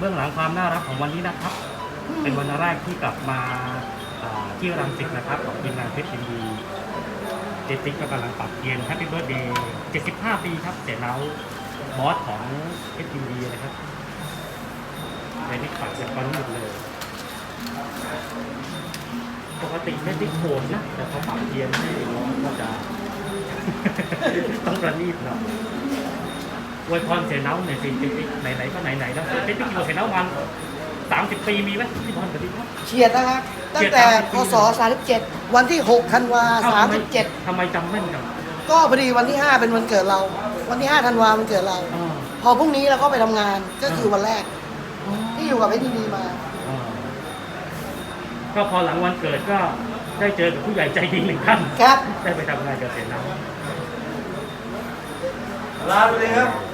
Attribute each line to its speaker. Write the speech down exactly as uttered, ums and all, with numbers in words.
Speaker 1: บื้องหลังความน่ารักของวันนี้นะครับ เป็นวันแรกที่กลับมาที่รังสิตนะครับของทีมงานเพชรยินดีเจติ๊กก็กำลังปรับเกียร์แฮปปี้เบิร์ดเดย์เจ็ดสิบห้าปีครับเสียเนาบอสของเพชรยินดีนะครับเจติ๊กปรับจากตอนนี้หมดเลยปกติเจติ๊กโหดนะแต่เขาปรับเกียร์ให้น้องก็จะ ต้องประณีตหน่อยอวยพรเสียเนาเนี่ยสิเจติ๊กไหนๆก็ไหนๆแล้วเจติ๊กอยู่เสียเนาวันสามสิบปีมีไหมที่พรกับที่ครับ
Speaker 2: เฉียดนะครับตั้งแต่พศสามสิบเจ็ดวันที่หกธันวาสามสิบเจ็ด
Speaker 1: ทำไมจำแม่นจัง
Speaker 2: ก็พอดีวันที่ห้าเป็นวันเกิดเรา วันที่ห้าธันวาวันเกิดเราพอพรุ่งนี้เราก็ไปทำงานก็คือวันแรกที่อยู่กับไอ้ดีๆมา
Speaker 1: ก็พอหลังวันเกิดก็ได้เจอกับผู้ใหญ่ใจดีหนึ่งท่าน
Speaker 2: ครับ
Speaker 1: ได้ไปทำงานกับเสนา
Speaker 3: ลาไปเลยครับ